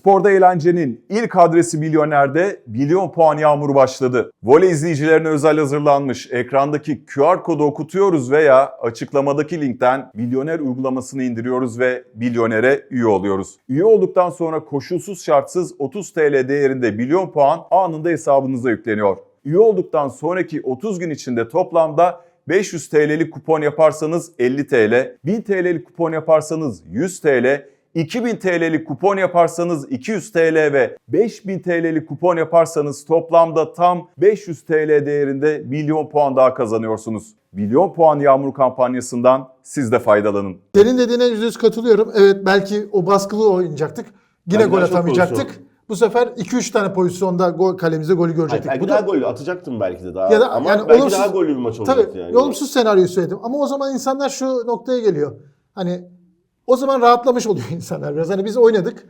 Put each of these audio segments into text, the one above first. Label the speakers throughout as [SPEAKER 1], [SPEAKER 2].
[SPEAKER 1] Sporda eğlencenin ilk adresi Milyoner'de milyon puan yağmuru başladı. Voley izleyicilerine özel hazırlanmış ekrandaki QR kodu okutuyoruz veya açıklamadaki linkten Milyoner uygulamasını indiriyoruz ve Milyoner'e üye oluyoruz. Üye olduktan sonra koşulsuz şartsız 30 TL değerinde milyon puan anında hesabınıza yükleniyor. Üye olduktan sonraki 30 gün içinde toplamda 500 TL'lik kupon yaparsanız 50 TL, 1000 TL'lik kupon yaparsanız 100 TL, 2000 TL'lik kupon yaparsanız 200 TL ve 5000 TL'lik kupon yaparsanız toplamda tam 500 TL değerinde milyon puan daha kazanıyorsunuz. Milyon puan yağmur kampanyasından siz de faydalanın.
[SPEAKER 2] Senin dediğine %100 katılıyorum. Evet, belki o baskılı oynayacaktık. Yine gol atamayacaktık. Bu sefer 2-3 tane pozisyonda kalemize golü görecektik.
[SPEAKER 3] Belki
[SPEAKER 2] bu
[SPEAKER 3] daha
[SPEAKER 2] da
[SPEAKER 3] golü atacaktım belki de daha.
[SPEAKER 2] ya da,
[SPEAKER 3] ama
[SPEAKER 2] yani
[SPEAKER 3] belki
[SPEAKER 2] olumsuz,
[SPEAKER 3] daha gollü bir maç olacaktı
[SPEAKER 2] tabii,
[SPEAKER 3] yani.
[SPEAKER 2] olumsuz senaryoyu söyledim. Ama o zaman insanlar şu noktaya geliyor. Hani o zaman rahatlamış oluyor insanlar biraz. Hani biz oynadık.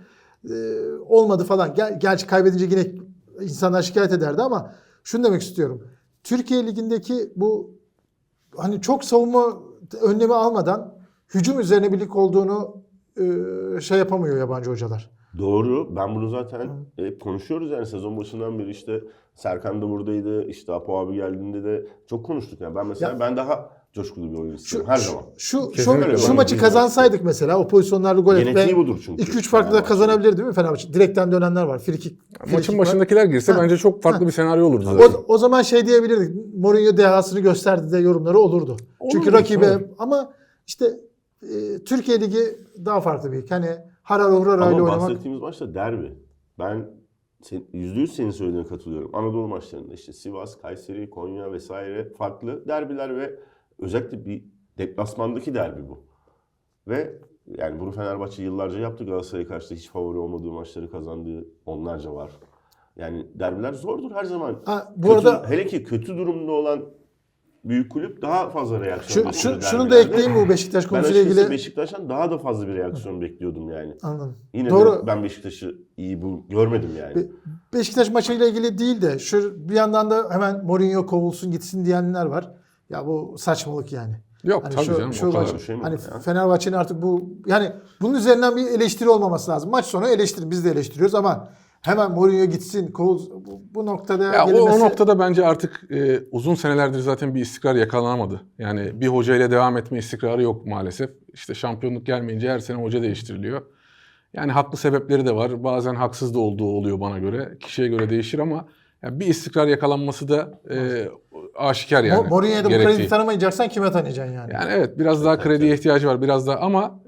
[SPEAKER 2] Olmadı falan. Gerçi kaybedince yine insanlar şikayet ederdi ama şunu demek istiyorum. Türkiye Ligi'ndeki bu hani çok savunma önlemi almadan hücum üzerine bir lig olduğunu şey yapamıyor yabancı hocalar.
[SPEAKER 3] Doğru. Ben bunu zaten hep konuşuyoruz yani sezon başından beri işte Serkan da buradaydı. İşte Apo abi geldiğinde de çok konuştuk yani. Ben mesela ben daha coşkulu bir oyun istiyorum her zaman.
[SPEAKER 2] Şu maçı kazansaydık mesela o pozisyonlarla gol etmek.
[SPEAKER 3] Genetiği budur çünkü.
[SPEAKER 2] 2-3 farklı da kazanabilir değil mi Fenerbahçe? Direkten dönenler var. Frikik.
[SPEAKER 4] Maçın başındakiler girse bence çok farklı bir senaryo olurdu zaten.
[SPEAKER 2] O zaman şey diyebilirdik. Mourinho dehasını gösterdi de yorumları olurdu. Çünkü rakibe ama işte Türkiye Ligi daha farklı bir lig. Hani harar hurara ile
[SPEAKER 3] Ama
[SPEAKER 2] oynamak.
[SPEAKER 3] bahsettiğimiz maçta derbi. Ben %100 senin söylediğine katılıyorum. Anadolu maçlarında işte Sivas, Kayseri, Konya vesaire farklı derbiler ve özellikle bir deplasmandaki derbi bu. Ve yani bunu Fenerbahçe yıllarca yaptı. Galatasaray'a karşı da hiç favori olmadığı maçları kazandığı onlarca var. Yani derbiler zordur her zaman.
[SPEAKER 2] Arada
[SPEAKER 3] hele ki kötü durumda olan büyük kulüp daha fazla reaksiyon bekliyor.
[SPEAKER 2] Şunu da ekleyeyim bu Beşiktaş konusuyla ilgili.
[SPEAKER 3] Ben Beşiktaş'tan daha da fazla bir reaksiyon bekliyordum yani.
[SPEAKER 2] Anladım.
[SPEAKER 3] Yine
[SPEAKER 2] Doğru.
[SPEAKER 3] de ben Beşiktaş'ı iyi görmedim yani.
[SPEAKER 2] Beşiktaş maçıyla ilgili değil de bir yandan da hemen Mourinho kovulsun gitsin diyenler var. Ya bu saçmalık yani.
[SPEAKER 4] Yok
[SPEAKER 2] hani
[SPEAKER 4] tabii canım o kadar.
[SPEAKER 3] Şey mi
[SPEAKER 2] hani
[SPEAKER 3] ya?
[SPEAKER 2] Fenerbahçe'nin artık yani bunun üzerinden bir eleştiri olmaması lazım. Maç sonu eleştirin, biz de eleştiriyoruz ama hemen Mourinho gitsin, bu noktada
[SPEAKER 4] Ya
[SPEAKER 2] gelinmesi...
[SPEAKER 4] o noktada bence artık uzun senelerdir zaten bir istikrar yakalanamadı. Yani bir hoca ile devam etme istikrarı yok maalesef. İşte şampiyonluk gelmeyince her sene hoca değiştiriliyor. Yani haklı sebepleri de var. Bazen haksız da olduğu oluyor bana göre. Kişiye göre değişir ama yani bir istikrar yakalanması da aşikar yani.
[SPEAKER 2] Mourinho'ya da bu
[SPEAKER 4] gerektiği.
[SPEAKER 2] kredi tanımayacaksan kime tanıyacaksın yani?
[SPEAKER 4] Yani evet biraz daha krediye ihtiyacı var biraz daha ama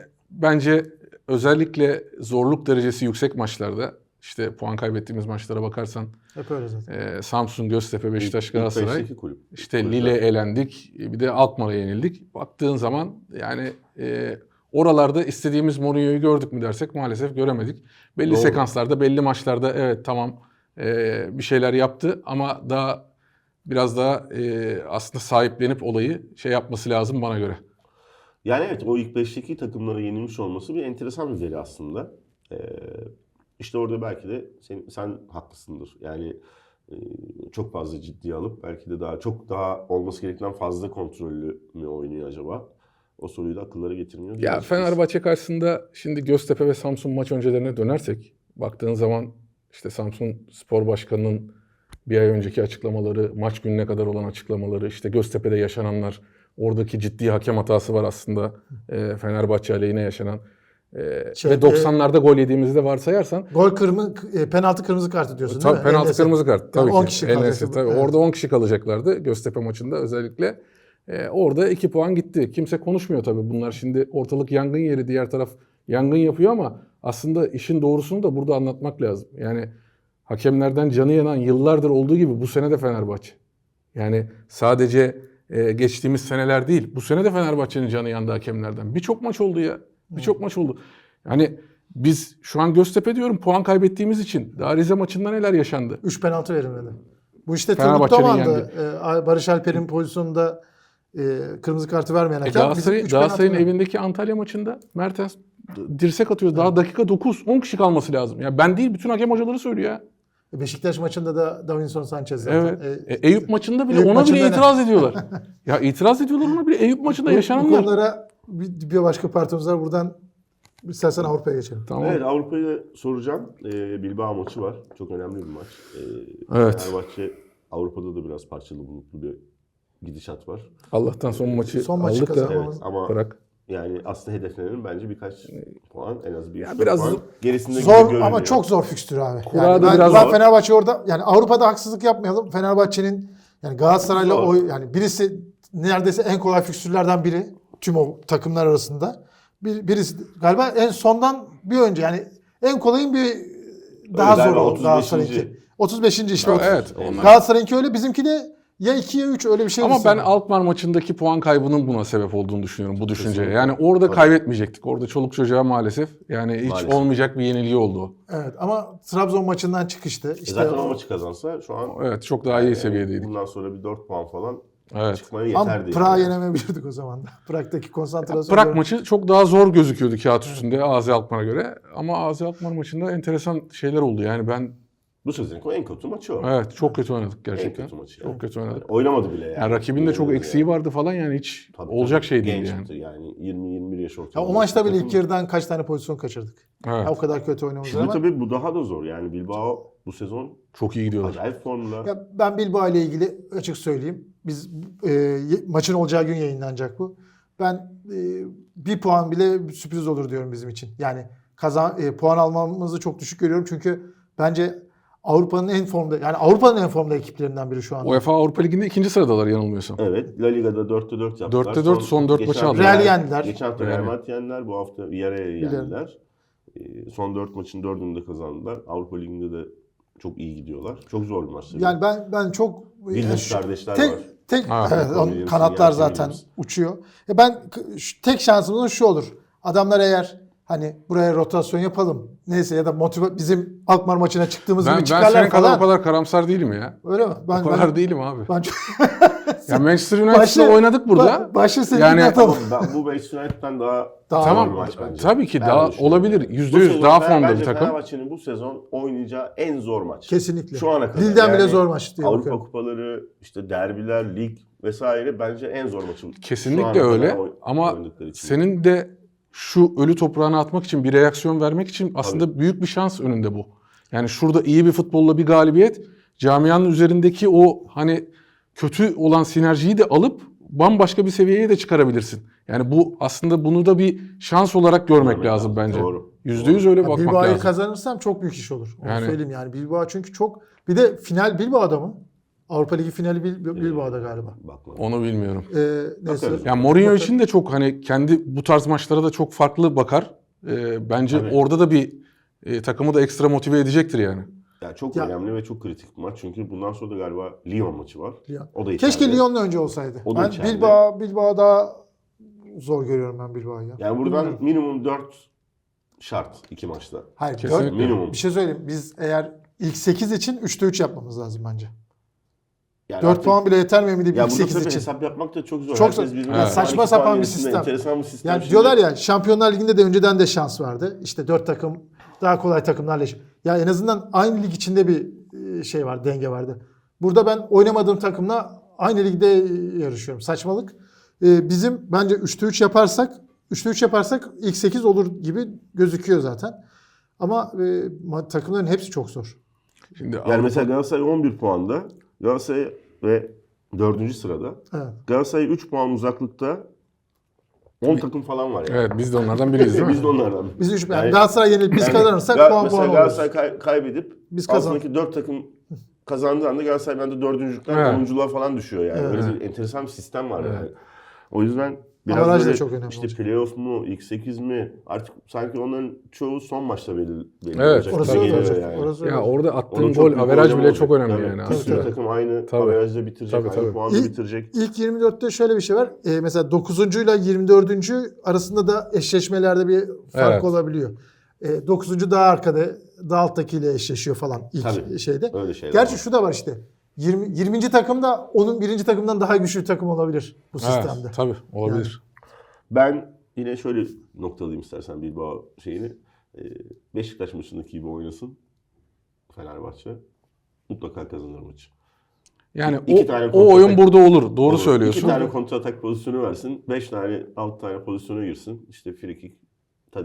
[SPEAKER 4] bence özellikle zorluk derecesi yüksek maçlarda işte puan kaybettiğimiz maçlara bakarsan
[SPEAKER 2] Hep öyle zaten.
[SPEAKER 4] Samsun, Göztepe, Beşiktaş, Galatasaray işte
[SPEAKER 3] Kulüpler.
[SPEAKER 4] Lille elendik bir de Alkmaar'a yenildik. Baktığın zaman yani oralarda istediğimiz Mourinho'yu gördük mü dersek maalesef göremedik. Belli
[SPEAKER 3] Doğru.
[SPEAKER 4] sekanslarda belli maçlarda evet tamam bir şeyler yaptı ama biraz daha aslında sahiplenip olayı şey yapması lazım bana göre.
[SPEAKER 3] Yani evet o ilk 5'teki takımlara yenilmiş olması bir enteresan bir veri aslında. İşte orada belki de sen haklısındır. Yani çok fazla ciddiye alıp belki de çok daha olması gerektiğinden fazla kontrollü mü oynuyor acaba? O soruyu da akıllara getirmiyor.
[SPEAKER 4] Ya Fenerbahçe karşısında şimdi Göztepe ve Samsun maç öncelerine dönersek baktığın zaman işte Samsun Spor Başkanı'nın bir ay önceki açıklamaları, maç gününe kadar olan açıklamaları, işte Göztepe'de yaşananlar, oradaki ciddi hakem hatası var aslında Fenerbahçe aleyhine yaşanan. Ve 90'larda gol yediğimizi de varsayarsan.
[SPEAKER 2] Penaltı kırmızı kartı diyorsun
[SPEAKER 4] tabii,
[SPEAKER 2] değil mi?
[SPEAKER 4] Penaltı kırmızı kart tabii
[SPEAKER 2] yani 10
[SPEAKER 4] ki.
[SPEAKER 2] kişi kalacak.
[SPEAKER 4] Tabii. Evet. Orada 10 kişi kalacaklardı Göztepe maçında özellikle. Orada 2 puan gitti. Kimse konuşmuyor tabii bunlar. Şimdi ortalık yangın yeri, diğer taraf yangın yapıyor ama aslında işin doğrusunu da burada anlatmak lazım. Yani hakemlerden canı yanan yıllardır olduğu gibi bu sene de Fenerbahçe. Yani sadece geçtiğimiz seneler değil. Bu sene de Fenerbahçe'nin canı yandı hakemlerden. Birçok maç oldu ya. Birçok maç oldu. Yani biz şu an Göztepe diyorum puan kaybettiğimiz için. Daha Rize maçında neler yaşandı?
[SPEAKER 2] 3 penaltı verilmedi. Bu işte
[SPEAKER 4] Fenerbahçe'nin
[SPEAKER 2] Turgut Doğan'dı. Barış Alper'in pozisyonunda kırmızı kartı vermeyen hakem.
[SPEAKER 4] Galatasaray'ın evindeki Antalya maçında Mertens dirsek atıyor. Daha dakika 9. 10 kişi kalması lazım. Ya ben değil bütün hakem hocaları söylüyor ya.
[SPEAKER 2] Beşiktaş maçında da Davinson Sanchez zaten.
[SPEAKER 4] Evet. Eyüp maçında bile ona bile itiraz ediyorlar. Ya itiraz ediyorlar ona bile. Eyüp maçında yaşananlar.
[SPEAKER 2] Bu konulara bir başka partimiz var. Buradan İstersen Avrupa'ya geçelim.
[SPEAKER 4] Tamam.
[SPEAKER 3] Evet, Avrupa'yı da soracağım. Bilbao maçı var. Çok önemli bir maç.
[SPEAKER 4] Evet.
[SPEAKER 3] Fenerbahçe Avrupa'da da biraz parçalı bulutlu bir gidişat var.
[SPEAKER 4] Allah'tan son maçı
[SPEAKER 2] Son maçı
[SPEAKER 4] aldık da
[SPEAKER 2] kazanmamız-
[SPEAKER 3] Evet ama
[SPEAKER 4] bırak.
[SPEAKER 3] yani aslında hedeflenenin bence birkaç puan, en az bir
[SPEAKER 4] Ya
[SPEAKER 3] 3
[SPEAKER 4] biraz
[SPEAKER 3] puan gerisinde gibi
[SPEAKER 2] Zor
[SPEAKER 3] görünüyor.
[SPEAKER 2] ama çok zor fikstür abi.
[SPEAKER 4] Kura
[SPEAKER 2] Yani
[SPEAKER 4] da
[SPEAKER 2] ben,
[SPEAKER 4] biraz
[SPEAKER 2] ben
[SPEAKER 3] zor.
[SPEAKER 2] Fenerbahçe orada yani Avrupa'da haksızlık yapmayalım. Fenerbahçe'nin yani Galatasaray'la
[SPEAKER 3] Zor.
[SPEAKER 2] o yani birisi neredeyse en kolay fikstürlerden biri tüm o takımlar arasında. Birisi galiba en sondan bir önce yani en kolayın bir daha zor
[SPEAKER 3] galiba
[SPEAKER 2] o
[SPEAKER 3] 35.
[SPEAKER 2] Galatasaray'ınki. 35. işte.
[SPEAKER 4] Evet,
[SPEAKER 3] onlar.
[SPEAKER 2] Galatasaray'ınki öyle, bizimki de ya 2 ya 3 öyle bir şey.
[SPEAKER 4] Ama ben
[SPEAKER 2] sanırım.
[SPEAKER 4] Alkmaar maçındaki puan kaybının buna sebep olduğunu düşünüyorum bu düşünceye.
[SPEAKER 3] Kesinlikle.
[SPEAKER 4] Yani orada
[SPEAKER 3] Tabii.
[SPEAKER 4] kaybetmeyecektik. Orada çoluk çocuğa maalesef yani hiç
[SPEAKER 3] Maalesef.
[SPEAKER 4] olmayacak bir yenilgi oldu o.
[SPEAKER 2] Evet ama Trabzon maçından çıkıştı. İşte
[SPEAKER 3] Zaten o maçı kazansa şu an
[SPEAKER 4] Evet, çok daha iyi seviyedeydik.
[SPEAKER 3] bundan sonra bir 4 puan falan
[SPEAKER 4] Evet.
[SPEAKER 3] çıkmaya
[SPEAKER 2] ama
[SPEAKER 3] yeterdi.
[SPEAKER 2] Prag'ı
[SPEAKER 3] yani.
[SPEAKER 2] yenemeyebilirdik o zaman da. Prag'daki konsantrasyon.
[SPEAKER 4] Prag maçı çok daha zor gözüküyordu kağıt üstünde Azi Alkmaar'a göre. Ama Azi Alkmaar maçında enteresan şeyler oldu. Yani ben
[SPEAKER 3] Bu sezonun en kötü maçı o.
[SPEAKER 4] evet çok kötü oynadık gerçekten.
[SPEAKER 3] En kötü maçı yani.
[SPEAKER 4] Çok kötü oynadık.
[SPEAKER 3] Oynamadı bile yani.
[SPEAKER 4] Yani rakibin de çok eksiği vardı falan yani hiç
[SPEAKER 3] Tabii,
[SPEAKER 4] olacak
[SPEAKER 3] tabii.
[SPEAKER 4] şey değil yani.
[SPEAKER 3] Gençti yani 20-21 yaş
[SPEAKER 2] Ya
[SPEAKER 3] ortalama.
[SPEAKER 2] o maçta bile
[SPEAKER 3] Takım-
[SPEAKER 2] ilk yarıdan kaç tane pozisyon kaçırdık.
[SPEAKER 4] Evet.
[SPEAKER 2] Ya o kadar kötü oynamamız
[SPEAKER 3] Şimdi
[SPEAKER 2] ama.
[SPEAKER 3] tabii bu daha da zor yani Bilbao bu sezon
[SPEAKER 4] Çok iyi gidiyorlar.
[SPEAKER 3] acayip formda.
[SPEAKER 2] Ya ben Bilbao ile ilgili açık söyleyeyim. Biz maçın olacağı gün yayınlanacak bu. Ben bir puan bile sürpriz olur diyorum bizim için. Yani puan almamızı çok düşük görüyorum çünkü bence Avrupa'nın en formda yani Avrupa'nın en formda ekiplerinden biri şu anda.
[SPEAKER 4] UEFA Avrupa Ligi'nde ikinci sıradalar yanılmıyorsam.
[SPEAKER 3] Evet, La Liga'da 4'te 4 yaptılar.
[SPEAKER 4] 4'te 4 son 4 maçı
[SPEAKER 3] geçen
[SPEAKER 4] aldılar.
[SPEAKER 2] Real'i yendiler.
[SPEAKER 3] Geçen hafta
[SPEAKER 4] Real'i.
[SPEAKER 3] Real Madrid yendiler, bu hafta Villarreal'i yendiler. Son 4 maçın 4'ünü de kazandılar. Avrupa Ligi'nde de çok iyi gidiyorlar. Çok zor bir maç. tabii.
[SPEAKER 2] Yani ben çok
[SPEAKER 3] Williams kardeşler
[SPEAKER 2] tek,
[SPEAKER 3] var.
[SPEAKER 2] Tek
[SPEAKER 4] Ha,
[SPEAKER 2] evet,
[SPEAKER 3] Williams'ın
[SPEAKER 2] onun kanatlar
[SPEAKER 3] yani
[SPEAKER 2] zaten
[SPEAKER 3] Williams.
[SPEAKER 2] uçuyor. Tek şansımız şu olur. Adamlar eğer hani buraya rotasyon yapalım. Neyse ya da bizim Alkmaar maçına çıktığımız gibi
[SPEAKER 4] Ben
[SPEAKER 2] çıkarlar
[SPEAKER 4] senin kadar
[SPEAKER 2] falan.
[SPEAKER 4] o kadar karamsar değilim ya.
[SPEAKER 2] Öyle mi?
[SPEAKER 4] O kadar değilim abi.
[SPEAKER 2] ben çok
[SPEAKER 4] Ya Manchester United'la oynadık burada.
[SPEAKER 2] Başı senin
[SPEAKER 4] Yani-
[SPEAKER 2] atalım.
[SPEAKER 3] Bu Manchester United'dan daha
[SPEAKER 2] Tamam.
[SPEAKER 3] zor bir maç bence.
[SPEAKER 4] Tabii ki
[SPEAKER 3] Ben
[SPEAKER 4] daha
[SPEAKER 3] öyle düşünüyorum
[SPEAKER 4] olabilir.
[SPEAKER 3] yani.
[SPEAKER 4] %100
[SPEAKER 3] Bu sezon
[SPEAKER 4] daha formda
[SPEAKER 3] bence
[SPEAKER 4] bir takım.
[SPEAKER 3] Fenerbahçe'nin bu sezon oynayacağı en zor maç.
[SPEAKER 2] Kesinlikle.
[SPEAKER 3] Şu ana kadar.
[SPEAKER 2] Lille'den bile
[SPEAKER 3] Yani
[SPEAKER 2] zor maç diye
[SPEAKER 3] Avrupa
[SPEAKER 2] bakıyorum.
[SPEAKER 3] kupaları, işte derbiler, lig vesaire bence en zor maçı. Şu ana
[SPEAKER 4] Kesinlikle
[SPEAKER 3] kadar
[SPEAKER 4] öyle. Ama
[SPEAKER 3] oynadıkları için.
[SPEAKER 4] senin de şu ölü toprağına atmak için bir reaksiyon vermek için aslında büyük bir şans önünde bu. Yani şurada iyi bir futbolla bir galibiyet camianın üzerindeki o hani kötü olan sinerjiyi de alıp bambaşka bir seviyeye de çıkarabilirsin. Yani bu aslında bunu da bir şans olarak görmek
[SPEAKER 3] Görmek
[SPEAKER 4] lazım
[SPEAKER 3] lazım.
[SPEAKER 4] bence.
[SPEAKER 3] Doğru.
[SPEAKER 4] %100 öyle bakmak
[SPEAKER 2] Bilbao'yu
[SPEAKER 4] lazım.
[SPEAKER 2] kazanırsam çok büyük iş olur. Onu
[SPEAKER 4] Yani-
[SPEAKER 2] söyleyeyim yani. Bilbao çünkü çok bir de final Bilbao'da mı? Avrupa Ligi finali Bilbao'da galiba.
[SPEAKER 3] Bakma.
[SPEAKER 4] Onu bilmiyorum.
[SPEAKER 2] Neyse.
[SPEAKER 3] Bakarız.
[SPEAKER 4] Yani Mourinho için de çok hani kendi bu tarz maçlara da çok farklı bakar. Bence
[SPEAKER 3] Tabii.
[SPEAKER 4] orada da bir takımı da ekstra motive edecektir yani.
[SPEAKER 3] Yani çok
[SPEAKER 2] Ya-
[SPEAKER 3] önemli ve çok kritik bir maç. Çünkü bundan sonra da galiba Lyon maçı var.
[SPEAKER 2] Lyon.
[SPEAKER 3] O da
[SPEAKER 2] Keşke
[SPEAKER 3] içeride.
[SPEAKER 2] Lyon'la önce olsaydı.
[SPEAKER 3] O da
[SPEAKER 2] Ben
[SPEAKER 3] içeride.
[SPEAKER 2] Bilbao daha zor görüyorum ben Bilbao'yu. ya.
[SPEAKER 3] Yani buradan
[SPEAKER 2] Bilmiyorum.
[SPEAKER 3] minimum 4 şart 2 maçta.
[SPEAKER 2] Hayır,
[SPEAKER 4] Kesinlikle.
[SPEAKER 3] Minimum.
[SPEAKER 2] bir şey söyleyeyim. Biz eğer ilk 8 için 3'te 3 yapmamız lazım bence.
[SPEAKER 3] Yani
[SPEAKER 2] 4
[SPEAKER 3] artık-
[SPEAKER 2] puan bile yeter mi emin
[SPEAKER 3] ya
[SPEAKER 2] ilk
[SPEAKER 3] burada
[SPEAKER 2] 8
[SPEAKER 3] tabii
[SPEAKER 2] için.
[SPEAKER 3] hesap yapmak da çok zor.
[SPEAKER 2] Çok
[SPEAKER 3] Herkes
[SPEAKER 2] zor.
[SPEAKER 3] birbirine
[SPEAKER 4] Evet.
[SPEAKER 2] Saçma
[SPEAKER 3] 12
[SPEAKER 2] sapan
[SPEAKER 3] puan
[SPEAKER 2] bir
[SPEAKER 3] gerisinde
[SPEAKER 2] sistem.
[SPEAKER 3] Enteresan bir sistem.
[SPEAKER 2] Yani
[SPEAKER 3] Şimdi-
[SPEAKER 2] diyorlar ya Şampiyonlar Ligi'nde de önceden de şans vardı. İşte 4 takım daha kolay takımlarla. Ya en azından aynı lig içinde bir şey var, denge vardı. Burada ben oynamadığım takımla aynı ligde yarışıyorum. Saçmalık. Bizim bence 3'te 3 yaparsak ilk 8 olur gibi gözüküyor zaten. Ama takımların hepsi çok zor.
[SPEAKER 4] Şimdi
[SPEAKER 3] Yani mesela Galatasaray 11 puanda. Galatasaray ve 4. sırada.
[SPEAKER 2] Evet.
[SPEAKER 3] Galatasaray 3 puan uzaklıkta 10 takım falan var yani.
[SPEAKER 4] evet biz de onlardan biriyiz değil mi?
[SPEAKER 3] Biz de onlardan.
[SPEAKER 2] Biz 3
[SPEAKER 3] Yani-
[SPEAKER 2] Galatasaray yenilip biz
[SPEAKER 3] Yani
[SPEAKER 2] kazanırsak puan
[SPEAKER 3] mesela
[SPEAKER 2] oluruz.
[SPEAKER 3] Galatasaray kaybedip
[SPEAKER 2] Biz
[SPEAKER 3] altındaki 4 takım kazandığı anda Galatasaray bende 4.lükten
[SPEAKER 4] Evet.
[SPEAKER 3] 10'unculuğa falan düşüyor yani.
[SPEAKER 2] Evet.
[SPEAKER 3] Öyle bir enteresan bir sistem var yani.
[SPEAKER 4] Evet.
[SPEAKER 3] O yüzden biraz
[SPEAKER 2] Avaraj da
[SPEAKER 3] böyle
[SPEAKER 2] çok önemli
[SPEAKER 3] işte
[SPEAKER 2] olacak.
[SPEAKER 3] playoff mu, ilk 8 mi artık sanki onların çoğu son maçta belli
[SPEAKER 4] Evet.
[SPEAKER 3] olacak.
[SPEAKER 2] Orası
[SPEAKER 3] gibi
[SPEAKER 2] öyle
[SPEAKER 3] geliyor
[SPEAKER 2] olacak.
[SPEAKER 3] yani.
[SPEAKER 2] Orası öyle
[SPEAKER 4] Ya
[SPEAKER 2] olacak.
[SPEAKER 4] orada
[SPEAKER 3] Onun
[SPEAKER 4] attığın
[SPEAKER 3] çok
[SPEAKER 4] gol,
[SPEAKER 3] büyük
[SPEAKER 4] averaj
[SPEAKER 3] önemi
[SPEAKER 4] bile
[SPEAKER 3] olacak.
[SPEAKER 4] çok önemli
[SPEAKER 3] Tabii.
[SPEAKER 4] yani
[SPEAKER 3] Bir sürü
[SPEAKER 4] aslında.
[SPEAKER 3] takım aynı
[SPEAKER 4] Tabii.
[SPEAKER 3] averajda bitirecek,
[SPEAKER 4] Tabii,
[SPEAKER 3] aynı
[SPEAKER 4] tabii.
[SPEAKER 3] puanda
[SPEAKER 2] İlk-
[SPEAKER 3] bitirecek.
[SPEAKER 2] İlk 24'te şöyle bir şey var. Mesela 9. ile 24. arasında da eşleşmelerde bir fark
[SPEAKER 4] Evet.
[SPEAKER 2] olabiliyor. 9. daha arkada, daha alttakiyle eşleşiyor falan ilk
[SPEAKER 3] Tabii.
[SPEAKER 2] şeyde.
[SPEAKER 3] Öyle şeyler
[SPEAKER 2] Gerçi
[SPEAKER 3] var.
[SPEAKER 2] şu da var işte. 20. takım da onun 1. takımdan daha güçlü bir takım olabilir bu sistemde.
[SPEAKER 4] Evet, tabii olabilir.
[SPEAKER 3] Ben yine şöyle noktalayayım istersen Bilbao şeyini. Beşiktaş maçındaki gibi oynasın Fenerbahçe. Mutlaka kazanır maçı.
[SPEAKER 4] Yani
[SPEAKER 3] İki tane
[SPEAKER 4] o oyun
[SPEAKER 3] kontratak-
[SPEAKER 4] burada olur. Doğru
[SPEAKER 3] Olur.
[SPEAKER 4] söylüyorsun.
[SPEAKER 3] 2 tane kontra atak pozisyonu versin. 5 tane 6 tane pozisyona girsin. İşte free kick, Tadic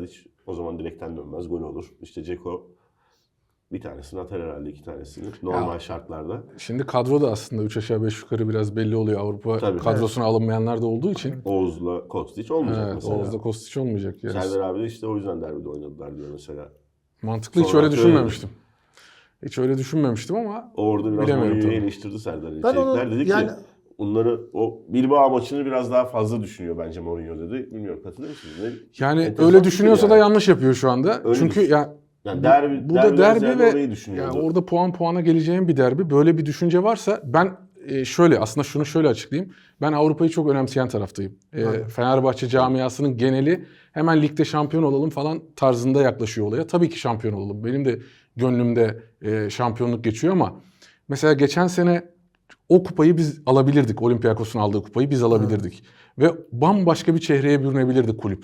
[SPEAKER 3] O zaman direkten dönmez, gol olur. İşte Dzeko bir tanesini atar herhalde, 2 tanesini normal şartlarda.
[SPEAKER 4] Şimdi kadro da aslında 3 aşağı 5 yukarı biraz belli oluyor. Avrupa
[SPEAKER 3] Tabii.
[SPEAKER 4] kadrosuna alınmayanlar da olduğu için.
[SPEAKER 3] Oğuz'la Kostić olmayacak
[SPEAKER 4] Evet,
[SPEAKER 3] mesela.
[SPEAKER 4] Oğuz'da Kostić olmayacak. Yani.
[SPEAKER 3] Serdar abi de işte o yüzden derbide oynadılar diyor mesela.
[SPEAKER 4] Mantıklı, hiç
[SPEAKER 3] Sonra
[SPEAKER 4] öyle
[SPEAKER 3] atıyorum.
[SPEAKER 4] düşünmemiştim. Hiç öyle düşünmemiştim ama
[SPEAKER 3] Orada biraz
[SPEAKER 4] bilemiyorum
[SPEAKER 3] Mourinho'yu
[SPEAKER 4] tabii.
[SPEAKER 3] eleştirdi Serdar
[SPEAKER 2] Ben onu
[SPEAKER 3] İçerikler. Dedi
[SPEAKER 2] yani-
[SPEAKER 3] ki onları, o Bilbao maçını biraz daha fazla düşünüyor bence Mourinho dedi. Bilmiyorum, katılır mısınız?
[SPEAKER 4] yani
[SPEAKER 3] Enteresan
[SPEAKER 4] öyle
[SPEAKER 3] bir
[SPEAKER 4] düşünüyorsa
[SPEAKER 3] şey
[SPEAKER 4] da
[SPEAKER 3] yani.
[SPEAKER 4] yanlış yapıyor şu anda.
[SPEAKER 3] Öyle
[SPEAKER 4] Çünkü
[SPEAKER 3] düşün.
[SPEAKER 4] ya
[SPEAKER 3] Yani derbi,
[SPEAKER 4] bu da derbi ve
[SPEAKER 3] orayı düşünüyordu.
[SPEAKER 4] ya orada puana geleceğin bir derbi. Böyle bir düşünce varsa ben şöyle aslında şunu şöyle açıklayayım. Ben Avrupa'yı çok önemseyen taraftayım. Fenerbahçe camiasının geneli hemen ligde şampiyon olalım falan tarzında yaklaşıyor olaya. Tabii ki şampiyon olalım. Benim de gönlümde şampiyonluk geçiyor ama mesela geçen sene o kupayı biz alabilirdik. Olympiakos'un aldığı kupayı biz alabilirdik. Ve bambaşka bir çehreye bürünebilirdi kulüp.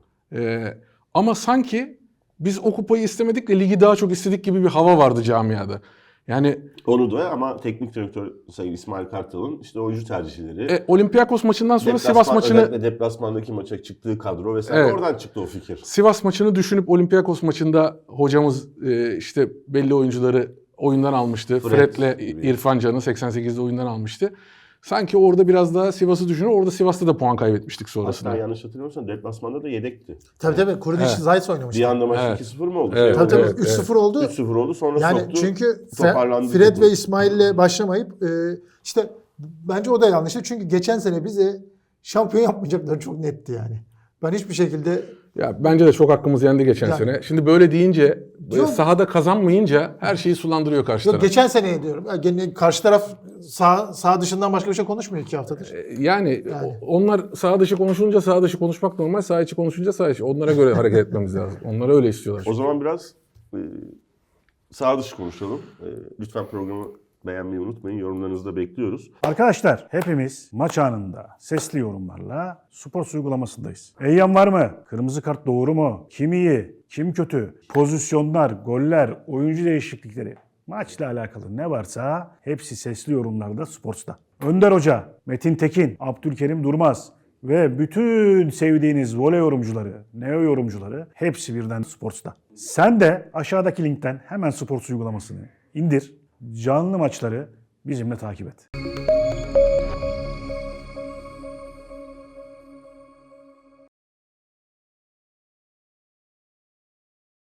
[SPEAKER 4] Ama sanki biz o kupayı istemedik de ligi daha çok istedik gibi bir hava vardı camiada. Yani
[SPEAKER 3] Onu da ama teknik direktör Sayın İsmail Kartal'ın işte oyuncu tercihleri.
[SPEAKER 4] Olympiakos maçından sonra Sivas maçını
[SPEAKER 3] özellikle deplasmandaki maça çıktığı kadro vesaire,
[SPEAKER 4] Evet.
[SPEAKER 3] oradan çıktı o fikir.
[SPEAKER 4] Sivas maçını düşünüp Olympiakos maçında hocamız işte belli oyuncuları oyundan almıştı. Fred'le
[SPEAKER 3] gibi.
[SPEAKER 4] İrfan Can'ı 88'de oyundan almıştı. Sanki orada biraz daha Sivas'ı düşünür. Orada Sivas'ta da puan kaybetmiştik sonrasında.
[SPEAKER 3] Hatta yanlış hatırlamıyorsam deplasmanda da yedekti.
[SPEAKER 2] Tabii Kurunic Zayt
[SPEAKER 3] Bir
[SPEAKER 2] oynamıştı.
[SPEAKER 3] anda maç
[SPEAKER 4] Evet.
[SPEAKER 3] 2-0 mı oldu?
[SPEAKER 4] Evet.
[SPEAKER 2] Tabii
[SPEAKER 4] Evet,
[SPEAKER 2] 3-0 oldu.
[SPEAKER 3] 3-0 oldu, sonra
[SPEAKER 2] Yani
[SPEAKER 3] soktu.
[SPEAKER 2] çünkü
[SPEAKER 3] toparlandı
[SPEAKER 2] Fred
[SPEAKER 3] topu.
[SPEAKER 2] ve İsmail'le başlamayıp işte bence o da yanlıştı. Çünkü geçen sene bize şampiyon yapmayacakları çok netti yani. Ben hiçbir şekilde
[SPEAKER 4] Ya bence de çok hakkımız yendi geçen
[SPEAKER 2] Yani-
[SPEAKER 4] sene. Şimdi böyle deyince
[SPEAKER 2] Yok.
[SPEAKER 4] sahada kazanmayınca her şeyi sulandırıyor karşı
[SPEAKER 2] yok
[SPEAKER 4] taraf.
[SPEAKER 2] geçen seneye diyorum. Yani gene karşı taraf sağ dışından başka bir şey konuşmuyor 2 haftadır.
[SPEAKER 4] Yani onlar saha dışı konuşunca saha dışı konuşmak normal, saha içi konuşunca saha içi. Onlara göre hareket etmemiz lazım. Onlar öyle istiyorlar.
[SPEAKER 3] O zaman biraz sağ dışı konuşalım. Lütfen programı beğenmeyi unutmayın. Yorumlarınızı da bekliyoruz.
[SPEAKER 5] Arkadaşlar hepimiz maç anında sesli yorumlarla Sports uygulamasındayız. Eyyam var mı? Kırmızı kart doğru mu? Kim iyi? Kim kötü? Pozisyonlar, goller, oyuncu değişiklikleri. Maçla alakalı ne varsa hepsi sesli yorumlarda Sports'ta. Önder Hoca, Metin Tekin, Abdülkerim Durmaz ve bütün sevdiğiniz voley yorumcuları, neo yorumcuları hepsi birden Sports'ta. Sen de aşağıdaki linkten hemen Sports uygulamasını indir. Canlı maçları bizimle takip et.